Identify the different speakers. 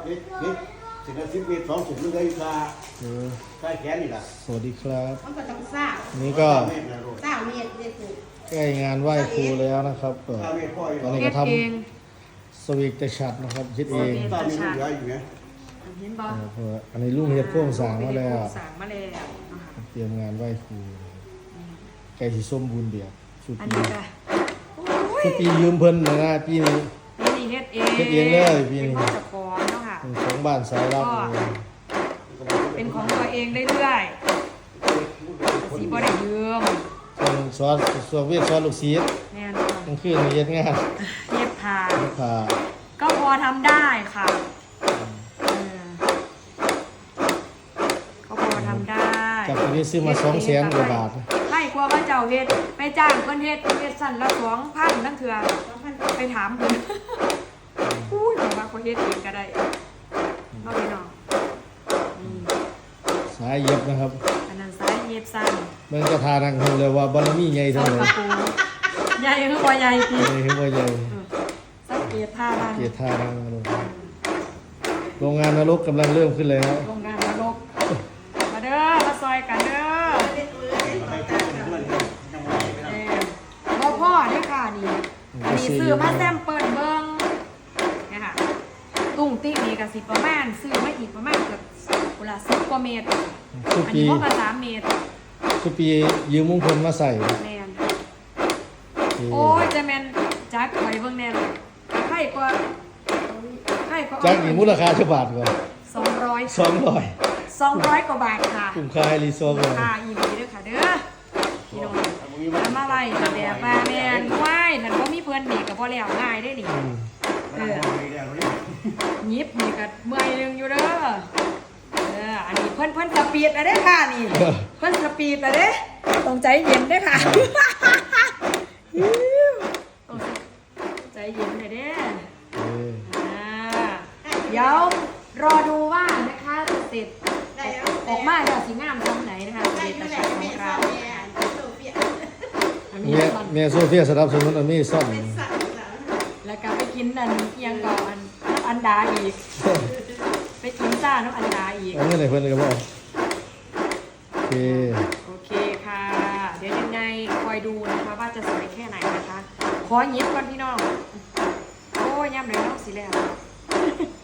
Speaker 1: สิบเมตร2 ถุงนึงเลยค่ะใกล้แขนนี่แหละ
Speaker 2: สวัสดีครับ
Speaker 3: มันก็ต้องสร้าง
Speaker 2: นี่ก็
Speaker 3: สร้างเมียเด็ก
Speaker 2: ใกล้งานไหว้ครูแล้วนะครับตอนนี้ก็ทำสวีกแต่ชัดนะครับคิดเอง
Speaker 1: ตอนนี้มันเหลืออยู่ไหม
Speaker 3: เห็นบ่
Speaker 2: อันนี้ลุงเฮ็ดโครงสร้างมาแล้ว
Speaker 3: สร้างมาแล้วนะคะ
Speaker 2: เตรียมงานไหว้ครูใกล้สิสมบูรณ์แบบสุด
Speaker 3: อัน
Speaker 2: ปี
Speaker 3: นี้ก็
Speaker 2: ทุกปียืมเพิ่นนะปีนี้
Speaker 3: นี่เฮ็ดเอง
Speaker 2: เฮ็ดเองเลยพี่นี่
Speaker 3: เป็นของเจ้าของเนาะค่ะ
Speaker 2: ของบ้านสายลับ
Speaker 3: เป็นของตัวเองได้เรื่อยสีบ่ได้ยืม
Speaker 2: ส่วนเวียกสอนลูกศิษย์
Speaker 3: แน่น
Speaker 2: กลางคืนเฮ็ดงาน
Speaker 3: เย็บผ้า
Speaker 2: ผ่า
Speaker 3: ก็พอทำได้ค่ะก็พอทำได้
Speaker 2: จากที่ซื้อมา200,000 กว่าบาท
Speaker 3: ให้กลัวว่าเจ้าเฮ็ดไปจ้างเพิ่นเฮ็ดสั่นละ2,000ทั้งเทื่อไปถามเพิ่นอุ้ยบอกว่าคนเฮ็ดเองก็ได้บ่พี่น้อง
Speaker 2: สายเย็บนะครับ
Speaker 3: อันนั้นสายเย็บสั้น
Speaker 2: มันก็ทานังหูเลยว่าบารมีใหญ่เท่าไหร่
Speaker 3: ใหญ่คือบ่ใหญ่พี่
Speaker 2: ใหญ่คือว่าใหญ่
Speaker 3: สังเกตท่าทาง
Speaker 2: เกียรติทานังโรงงานนรกกำลังเริ่มขึ้นเลยครับ
Speaker 3: โรงงานนรกมาเด้อมาซอยกันเด้อพ่อเด้อค่ะนี่อันนี้ซื้อมาแซมเปิลเบิ่งเนี่ยค่ะตุ้งติ๊กนี่ก็สิประมาณซื้อมาอีกประมาณเกือบกุละ10 กว่าเมตร
Speaker 2: ทุก
Speaker 3: อัน
Speaker 2: ปี
Speaker 3: นี้พวกละ3 เมตร
Speaker 2: ทุกปียืมมงคลมาใส่
Speaker 3: แม่นโอ้ยจะแม่นจักไว้เบิ่งแน่เลยไข่กว่า
Speaker 2: จากอีกมูลค่าเท่าบาทก่อน
Speaker 3: 200 200 กว่าบาทค่ะ
Speaker 2: คุ้มค่ารีสอร์ทเลย
Speaker 3: ค่ะอีหลีเด้อค่ะเด้อพี่น้องทำอะไรแบบว่าแม่นไหว้นั่นบ่มีเพิ่นนี่ก็บ่แล้วง่ายได้นี่หยิบนี่ก็เมื่อยนึงอยู่เด้ออันนี้เพิ่นสปีดอะเด้อค่ะนี่เพิ่นสปีดอะเด้ต้องใจเย็นเด้อค่ะต้องใจเย็นหน่อยเด้เดี๋ยวรอดูว่านะคะเสร็จออกมาจะสีงามตรงไหนนะคะเสร็จประชาของเรา
Speaker 2: แม่โซเฟียสนับสนุนอเมซอน
Speaker 3: แล้วก็ไปกินอันเอียงก่อนอันดาอีกไปกินจ้าน้ำอันดาอีก
Speaker 2: อันนี้ไหนเพิ่นก็บอกโอเค
Speaker 3: โอเคค่ะ เดี๋ยวยังไงคอยดูนะคะว่าจะสวยแค่ไหนนะคะขอหยิบก่อนพี่น้องโอ้ยย่ำเลยเนาะสิแล้ว